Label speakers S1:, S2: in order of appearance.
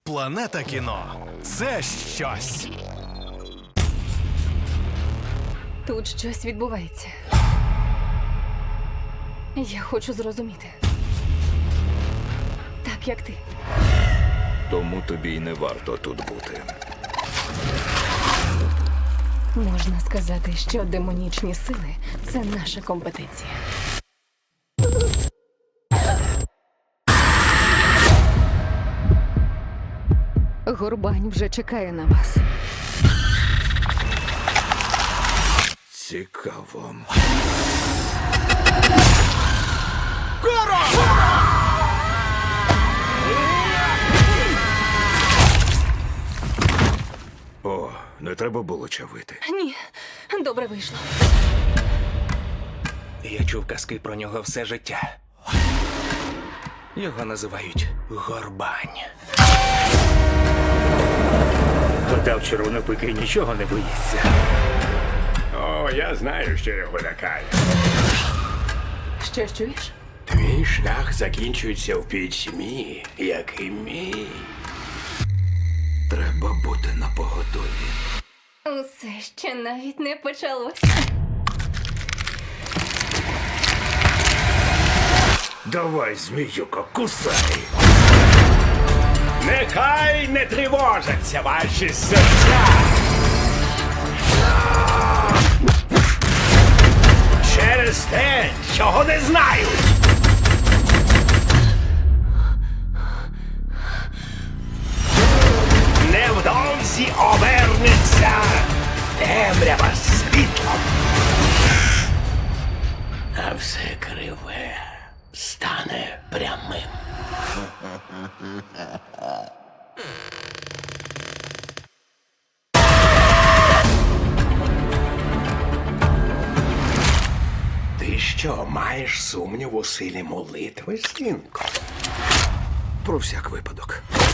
S1: Планета кіно – це щось.
S2: Тут щось відбувається. Я хочу зрозуміти. Так, як ти.
S3: Тому тобі й не варто тут бути.
S2: Можна сказати, що демонічні сили – це наша компетенція. Горбань вже чекає на вас.
S3: Цікаво. О, не треба було чавити.
S2: Ні, добре вийшло.
S4: Я чув казки про нього все життя. Його називають Горбань.
S5: Гадав, червонопики нічого не боїться.
S6: О, я знаю, що його лякає.
S2: Що чуєш?
S6: Твій шлях закінчується в пітьмі, як і мій.
S3: Треба бути напоготові.
S2: Усе ще навіть не почалось.
S5: Давай, зміюко, кусай!
S6: Нехай не тривожаться ваші серця. Через те, чого не знають. Невдовзі обернеться темрява світлом. А все криве стане прямим. Ти що, маєш сумнів у силі молитви, синку?
S3: Про всяк випадок.